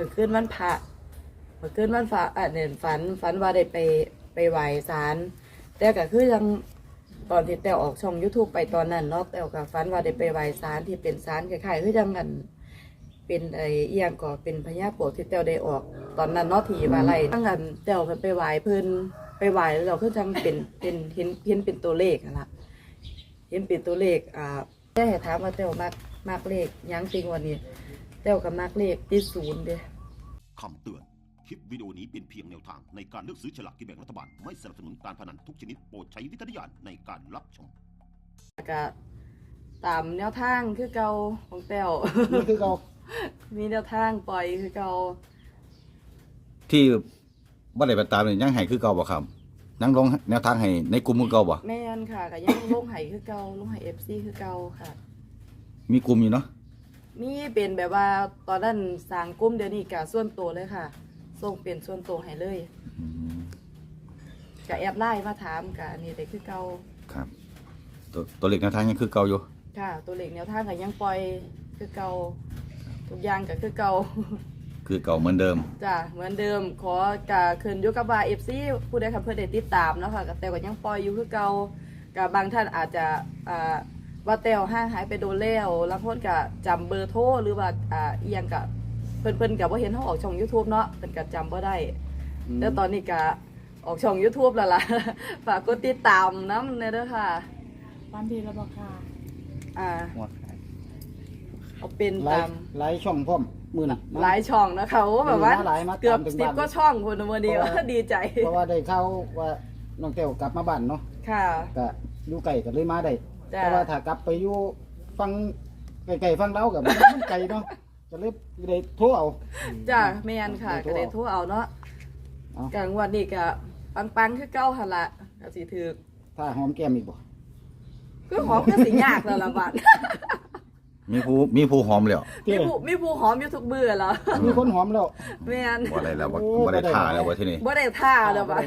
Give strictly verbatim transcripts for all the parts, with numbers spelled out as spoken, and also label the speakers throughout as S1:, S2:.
S1: มื่อคืนวันพระเมื่อคืนวันพระอ่ะเนี่ยฝันฝันว่าได้ไปไปไหว้ศาลแต่ก็คือยังตอนที่แต้วออกช่อง YouTube ไปตอนนั้นเนาะแต้วก็ฝันว่าได้ไปไหว้ศาลที่เป็นศาลคล้ายๆคือยังกันเป็นไอ้เอียงก็เป็นพญาโปกที่แต้วได้ออกตอนนั้นเนาะที่ว่าไรตั้งกันแต้วไปไหว้เพิ่นไปไหว้แล้วเราคือจังเป็นเป็นเห็นเห็นเป็นตัวเลขนั่นล่ะเห็นเป็นตัวเลขอ่าแต่ให้ถามว่าแต้วมากมากเลขยังจริงวันนี้แต้วกับมากเลขที่ศูนย์เด้
S2: คำเตือน คลิปวิดีโอนี้เป็นเพียงแนวทางในการเลือกซื้อฉลากกินแบ่งรัฐบาล ไม่สนับสนุนการพนันทุกชนิดโปรดใช้วิจารณญาณในการรับชม
S1: ก็ตามแนวทางคือเก่าของแต้ว
S3: นี่คือเรา
S1: มีแนวทางปล่อยคือเก่า
S4: ที่บ่ได้ไปตามนี่ยังให้คือเก่าบ่ครับยังลงแนวทางให้ในกลุ่มคือเก่าบ่
S1: แม่นค่ะก็ยังลงไห้คือเก่าลงไห้ เอฟ ซี คือเก่าค่ะ
S4: มีกลุ่มอยู่เนาะ
S1: มีเป็นแบบว่าตอนนั้นสร้างกลุ่มเดี๋ยวนี้ก็ส่วนตัวเลยค่ะส่งเป็นส่วนตัวให้เลย
S4: อืม
S1: ก็แอบไล่มาถามก็อันนี้ได้คือเก่า
S4: ครับ ตัวตัวเลขแนวทางยังคือเก่าอยู่
S1: ค่ะ ตัวเลขแนวทางก็ยังปล่อยคือเก่าทุกอย่างก็คือเก่า
S4: คือเก่าเหมือนเดิม
S1: จ้ะเหมือนเดิมขอกะขึ้นอยู่กับว่า เอฟ ซี ผู้ใดค่ะเพื่อได้ติดตามเนาะค่ะแต่ก็ยังปล่อยอยู่คือเก่ากับบางท่านอาจจะอ่าว่าแต้วห่างหายไปโดนแล้วแล้วคนก็จำเบอร์โทรหรือว่าอ่าเอียงกับเพิ่นเพิ่นกับว่าเห็นเขาออกช่อง YouTube เนาะเพิ่นก็จำบ่ได้แต่ตอนนี้ก็ออกช่อง YouTube แล้วล่ะ ฝากกดติดตามนำเด้อค่ะ
S5: วันดีแล้วบอกค่ะ
S1: อ่า
S3: หมด
S1: เอาเป็น
S3: ไล
S1: ตาม
S3: ฟ์ไลฟ์ช่องพร้อมมือน่ะ
S1: หลายช่องนะคะโอ้แบบว่า
S3: มีหลายมา
S1: เกือบ
S3: ตามถึง
S1: สิบ
S3: บ้าน
S1: ก็ช่องคนวันนี้ว่าดีใจ
S3: เพราะว่าได้เข้าว่าน้องแต้วกลับมาบ้านเนาะ
S1: ค่ะ
S3: ก็อยู่ไกลก็เลยมาได้
S1: จ้ะ
S3: แต่ว่าถ้ากลับไปอยู่ฟังไกลๆฟังเรากับมันไกลเนาะก็เลยได้โทรเอา
S1: จ้ะแม่นค่ะ
S3: ได้โทร
S1: ก็ได้โทรเอาเนาะ
S3: เอา
S1: กลางวันนี้ก็ปังๆคือเก้าหันละก็สิถือ
S3: ถ้าหอมแก้มอีกบ่
S1: คือหอมก็สิยากแล้วล่ะบัด
S4: มีผู้มีผู้หอมแล้ว
S1: มีผู้มีผู้หอมอยู่ทุกเบื่อแล้ว
S3: มีคนหอมแล้ว
S1: แม่น
S4: บ่ได้แล้วบ่
S3: โอ้
S4: บ่ได้
S3: บ่ได้
S4: ท่าแล้วบ่ที่นี่
S1: บ่ได้ท่าแล้วบัด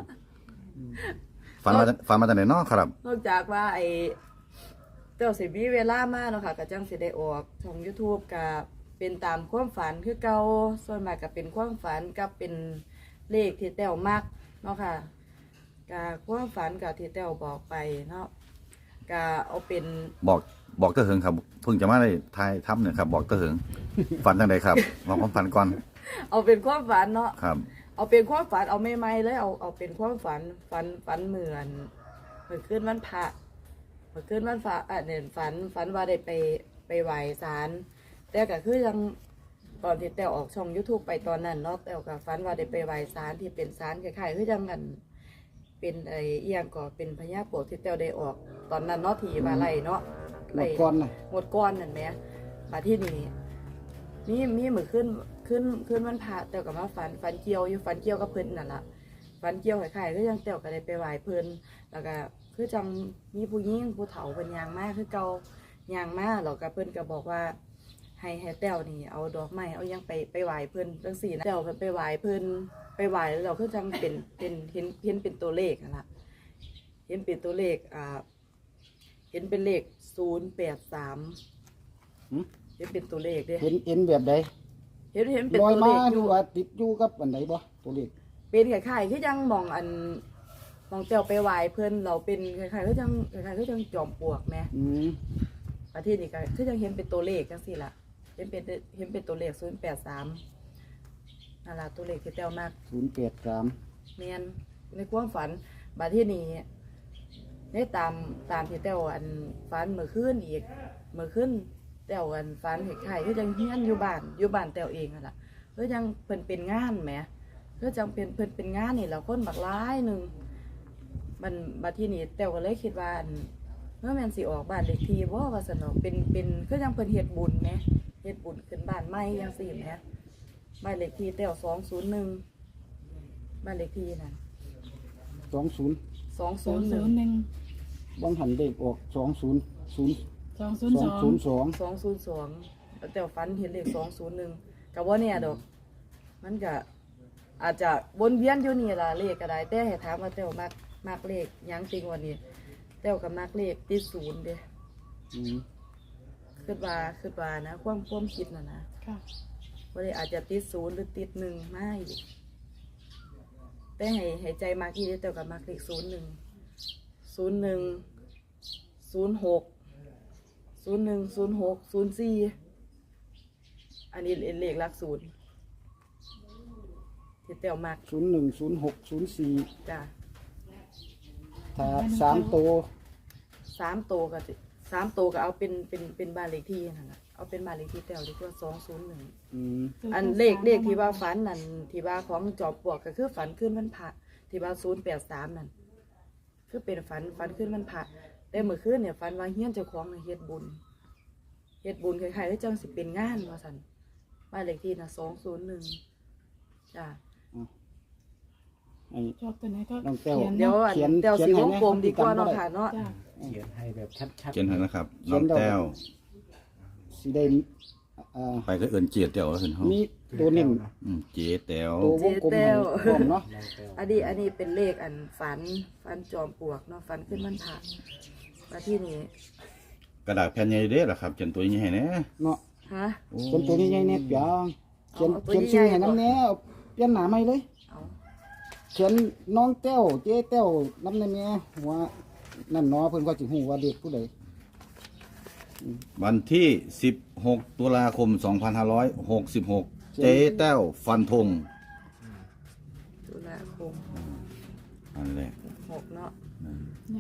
S4: ฝันมาฝันมาจากไหนเนาะครับ
S1: นอกจากว่าไอ้เจ้าสิมีเวลามากเนาะค่ะก็จังสิได้ออกช่อง YouTube ก็เป็นตามความฝันคือเก่าส่วนมากก็เป็นความฝันกับเป็นเลขที่แต้วมักเนาะค่ะก็ความฝันกับที่แต้วบอกไปเนาะก็เอาเป็น
S4: บอกบอกเตอเหิงครับเพิ่งจะมาได้ทายทำเนี่ยครับ บอกเตอเหิง ฝันจังไดครับบอกความฝันก่อน
S1: เอาเป็นความฝันเนาะ
S4: ครับ
S1: เอาเป็นความฝันเอาไม่ไม่เลยเอาเอาเป็นความฝันฝันฝันเหมือนเหมือนขึ้นวันพระเหมือนขึ้นวันพระอ่ะเนี่ยฝันฝันว่าได้ไปไปไหว้ศาลแต่ก็คือยังตอนที่แต้วออกช่อง YouTube ไปตอนนั้นเนาะแต้วก็ฝันว่าได้ไปไหว้ศาลที่เป็นศาลคล้ายๆคือยังกันเป็นไอ้เอียงก็เป็นพญาโปกที่แต้วได้ออกตอนนั้นเนาะที่ว่าไรเนาะ
S3: หมดก่อนน่ะ
S1: หมดก้อนนั่นไหมมาที่นี่มีมีเหมือนขึ้นขึ้นขึ้นวันพระแต้วกับมาฝันฝันเกี่ยวอยู่ฝันเกี่ยวกับเพิ่นนั่นล่ะฝันเกี่ยวคล้ายๆก็ยังแต้วก็ได้ไปไหว้เพิ่นแล้วก็คือจังมีผู้หญิงผู้เฒ่าเป็นยางมากคือเก่ายางมากแล้วก็เพิ่นก็บอกว่าให้ให้แต้วนี่เอาดอกไม้เอายังไปไปไหว้เพิ่นจังซี่นะแต้วเพิ่นไปไหว้เพิ่นไปไหว้แล้วเราคือจังเป็นเป็นเห็นเห็นเป็นตัวเลขนั่นล่ะเห็นเป็นตัวเลขอ่าเห็นเป็นเลขศูนย์แปดสาม
S3: หึ
S1: เห็นเป็นตัวเลขเด้
S3: เห็นเห็นแบบใด
S1: เห็นเห็นเป็น
S3: ลอย
S1: ตัว
S3: มา
S1: เลขอ
S3: ดู
S1: ยู่
S3: ว่าติดอยู่กับอันใดบ่ตัวเลข
S1: เป็นคล้ายๆคือยังมองอันมองเตียวไปไหวเพื่อนเราเป็นคล้ายๆคือยังคล้ายๆคือยังจอมปลวกแหม
S3: อืม
S1: ประเทศนี้ก็คือยังเห็นเป็นตัวเลขจังซี่ล่ะเห็นเป็นเห็นเป็นตัวเลขศูนย์แปดสามนั่นล่ะตัวเลขที่เตียวมาก
S3: ศูนย์แปดสาม
S1: แมนในความฝันบาที่นี้ได้ตามตามที่เตียวอันฝันเมื่อคืนอีกเมื่อคืนเตียวอันฝันคล้ายๆคือยังเฮียนอยู่บ้านอยู่บ้านเตียวเองนั่นล่ะคือยังเพิ่นเป็นงานแหม เพื่อจังเป็นเพิ่นเป็นงานนี่แหล้วคนบักร้ายหนึ่งมันบัดที่นี่แต่ก็เลยคิดว่าอันเมื่อแม่นสิออกบ้านเลขที่บ่ว่าสนอกเป็นเป็นคือจังเพิ่นเฮ็ดบุญแหมเฮ็ดบุญขึ้นบ้านใหม่จังซี่แหมบ้านเลขที่แต้วสองศูนย์หนึ่งบ้านเลขที่นั่น
S3: สองศูนย์
S1: สอง
S5: ส
S1: ศู
S5: อง
S1: นย์ห
S5: ศู
S1: นึ่ง
S5: นย์หนึ่ง
S3: บางหันเด็กออกสองศูนย์ศูนย์
S5: สองศูนย์
S3: ส
S5: ส
S3: อง
S5: อง
S3: ศูนย์สอง
S1: สองศูนย์สองแต่ฝันเห็นเลขสองศูนย์หนึ่งก็บ่แน่ดอกมันก็อาจจะวนเวียนอยู่นี่ล่ะเลขก็ได้แต่ให้ถามว่าแต้วมักมักเลขหยังจริงวันนี้แต้วก็มักเลขที่ศูนย์เด้
S3: อืม
S1: คิดว่าคิดว่านะความความคิดน่ะนะ
S5: ค่ะ
S1: คบ่ได้อาจจะติดศูนย์หรือติดหนึ่งไม่แต่ให้ให้ใจมากที่แต่กับมากเลขศูนย์หนึ่งศูนย์หนึ่งศูนย์หกศูนย์หนึ่งศูนย์หกศูนย์สี่อันนี้เลขหลักศูนย์ที่เตียวมาก
S3: ศูนย์หนึ่งศูนย์หกศูนย์สี่
S1: จ้ะ
S3: ถ้าสามตัว
S1: สามโตวก็สิสามโตวก็เอาเป็นเป็นเป็นบ้านเลขที่นั่นแหละเอาเป็นบ้านเลขที่เตียวดีกว่าสองศูนย์หนึ่ง
S3: อืม
S1: อันเลขเลขที่ว่าฝันนั่นที่ว่าของจอบปลวกก็คือฝันขึ้นวันพระที่ว่าศูนย์แปดสามนั่นคือเป็นฝันฝันขึ้นวันพระแต่เมื่อคืนเนี่ยฝันว่าเฮี้ยนเจ้าของน่ะเฮ็ดบุญเฮ็ดบุญคล้ายๆที่จังสิเป็นงานว่าสันบ้านเลขที่น่ะสองศูนย์หนึ่งจ้ะ
S3: ไอ้
S5: ชอบตัวไหนก็
S3: น้องแต้ว
S5: เขียน
S1: เดี๋ยว
S5: เนาะ
S1: อัน
S3: เขียน
S1: เดี๋ยว
S3: เขียน
S1: สี
S3: ให้
S1: วง
S3: แม่
S1: กลมดีกว่า
S3: จำบ่
S1: เนาะ
S3: ได้
S1: ค่ะเนาะ
S5: จ้ะ
S6: เขียนให้แบบชัด
S4: เขียนให้นะครับน้องแต้ว
S3: สิได้เอ่อ
S4: ไปก็เอิ้นเจียแต้วแล้วเพิ่นเฮา
S3: มีตัวนิ่ม
S4: อืมเจีแต้ว
S3: ตัววงกลมให้พร้อมเนาะ
S6: ๆน้องแต้ว
S1: อันนี้อันนี้เป็นเลขอันฝันฝันจอมปลวกเนาะฝันขึ้นวันพระมาที่นี่
S4: กระดาษแผ่นใหญ่เด้อล่ะครับเขียนตัวใหญ่ให้แหน่
S3: เนาะ
S1: ฮะ
S4: โอ้
S3: เป็นตัวนี้ใหญ่เนี่ยเปียงเขียน
S1: เอาตัว
S3: เขียน
S1: นี้
S3: ชื่อ
S1: ใหญ่
S3: ให้น้ำแน่เอาเปลี่ยนหน้าใหม่เลย
S1: เอา
S3: เขียนน้องแต้วเจ๊แต้วน้ำในแม่หัวนั่นเนาะเพิ่นก็สิฮู้ว่าเด็กผู้ใด
S4: วันที่สิบหกตุลาคมสองพันห้าร้อยหกสิบหกเจ๊แต้วฟันธง
S1: ตุลาคม
S4: อันแรก
S1: หกเนาะ
S5: ใน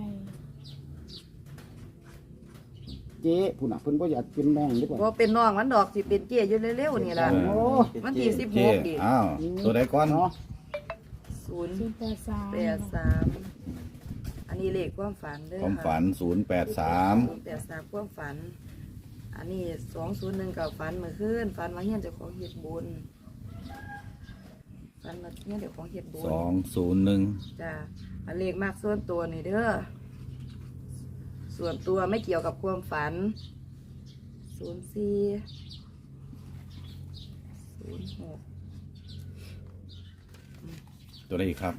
S3: เจ๊ผู้น่ะเพิ่นบ่อยากเป็นน้องดีกว่า
S1: ว่าเป็นน้องมันดอกสิเป็นเกี้ยอยู่เร็วๆนี่ล่ะ
S3: โอ้
S1: วันที่สิบห
S4: เจ๊
S1: กดิ
S4: อ้าวตัวใดก่อน
S3: เนาะ
S1: ศูนย์
S5: ศูนย์แปดสาม
S1: แปดสามอันนี้เลขความฝันเด้อ
S4: ความฝันศูนย์แปดสาม
S1: ศูนย์แปดสามความฝัน อันนี้สองศูนย์หนึ่งกับฝันเมื่อคืนฝันว่าเฮียนเจ้าของเฮ็ดบุญฝันว่าเฮียนเจ้าของเฮ็ดบุญ
S4: สองศูนย์หนึ่ง
S1: จ้ะอันเลขมากส่วนตัวนี่เด้อส่วนตัวไม่เกี่ยวกับความฝันศูนย์สี่ศูนย์หก
S4: ตัวใดอีกครับ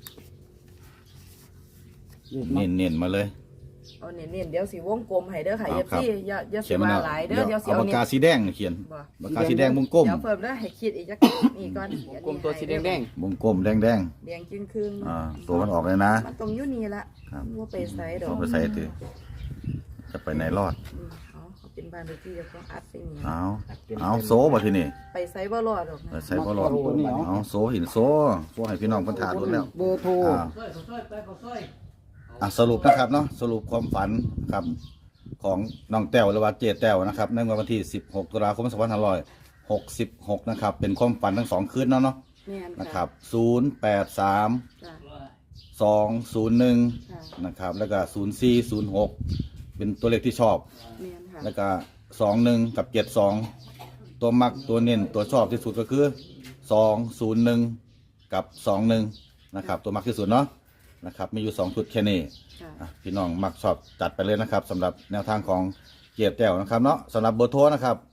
S3: เด็ก
S4: เน้
S3: เนาะ
S4: นเน้นๆมาเลย
S1: เอาเน้นๆเดี๋ยวสีวงกลมให้เด้อค่ะ
S4: เอา
S1: เอฟ
S4: ครับ
S1: ซีอย่าอย่า
S4: เขี
S1: สิ
S4: ยนมา
S1: ว่า
S4: แล้ว
S1: หลายเด้อ
S4: เดี๋ยว
S1: เดี๋ยวสิ
S4: เอา
S1: เอา
S4: ปาก
S1: นี่
S4: กาสีแดงเขียน
S1: บ่
S4: ปากกาสีแดงวงกลม
S1: เดี๋ยวเพิ่มเด้อให้คิดอีกจักนี่ก่อน
S6: กลมตัวสีแดง
S4: วงกลมแดงแดง
S1: แดงจึงครึ่ง
S4: ๆอ่าตัวมันออกเลยนะ
S1: มันตรงอยู่นี่ละ
S4: ครับ
S1: ว่าไปไสดอ
S4: เอา
S1: ก
S4: ไปใส่ตือจะไปไหนรอด
S1: อืมเอาเขาเป็นบ้านเลขที่เจ้าของอัดไปนี่
S4: เอาเอาโซบ่ทีนี่
S1: ไปไสบ่รอดดอก
S4: ไป
S1: นะ
S4: ใส่บ่รอดเอาโซหินโซโซให้พี่น้องเพิ่นทานรถแล้ว
S3: เบอร์โทร
S4: อ่าอ่ะสรุปนะครับเนาะสรุปความฝันครับของน้องแต้วหรือว่าเจแต้วนะครับในวันที่สิบหกตุลาคมสองพันห้าร้อยหกสิบหกนะครับเป็นความฝันทั้งสองคืนเนาะเนาะ
S1: แม่น
S4: นะครับศูนย์แปดสาม
S1: จ้ะ
S4: สองศูนย์หนึ่ง
S1: ค่ะ
S4: นะครับแล้วก็ศูนย์สี่ศูนย์หกเป็นตัวเลขที่ชอบ
S1: แม่นค่ะ
S4: แล้วก็สองหนึ่งกับเจ็ดสองตัวมักตัวเน้นตัวชอบที่สุดก็คือสองศูนย์หนึ่งกับสองหนึ่งนะครับตัวมักที่สุดเนาะนะครับมีอยู่สองชุดแค่นี้
S1: ค่ะ
S4: อ่ะพี่น้องมักชอบจัดไปเลยนะครับสำหรับแนวทางของเกียรติแต้วนะครับเนาะสำหรับเบอร์โทรนะครับ